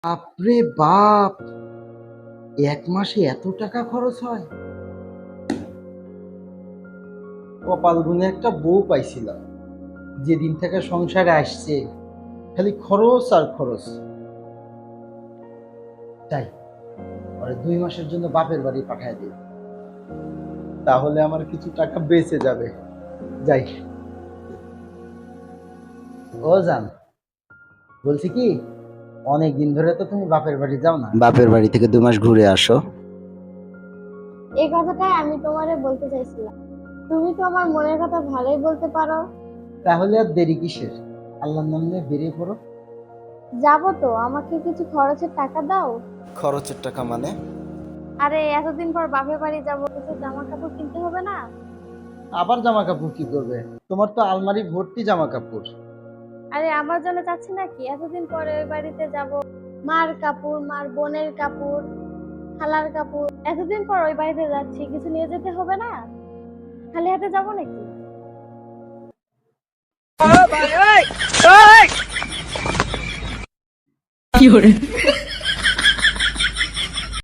বাপরে বাপ, এক মাসে এত টাকা খরচ হয়? কপাল গুনে একটা বউ পাইছিলাম, যেদিন থেকে সংসারে আসছে খালি খরচ আর খরচ। তাই ওরে 2 মাসের জন্য বাপের বাড়ি পাঠায় দিই, তাহলে আমার কিছু টাকা বেঁচে যাবে। যাই। ও জান, বলছি কি, অনেক দিন ধরে তো তুমি বাপের বাড়ি যাও না, বাপের বাড়ি থেকে 2 মাস ঘুরে আসো। এই কথাটাই আমি তোমারে বলতে চাইছিলাম। তুমি তো আমার মনের কথা ভালোই বলতে পারো। তাহলে আর দেরি কিসের, আল্লাহর নাম নিয়ে বেরিয়ে পড়ো। যাবো তো, আমাকে কিছু খরচের টাকা দাও। খরচের টাকা মানে? আরে এতদিন পর বাপের বাড়ি যাবো, কিছু জামা কাপড় কিনতে হবে না? আবার জামা কাপড় কি করবে? তোমার তো আলমারি ভর্তি জামা কাপড়। আরে আমার জন্য চাচ্ছি নাকি, এতদিন পরে ওই বাড়িতে যাব, মার কাপড়, মার বোনের কাপড়, খালার কাপড়, এতদিন পর ওই বাড়িতে যাচ্ছি, কিছু নিয়ে যেতে হবে না? খালি হাতে যাবো নাকি? কি hore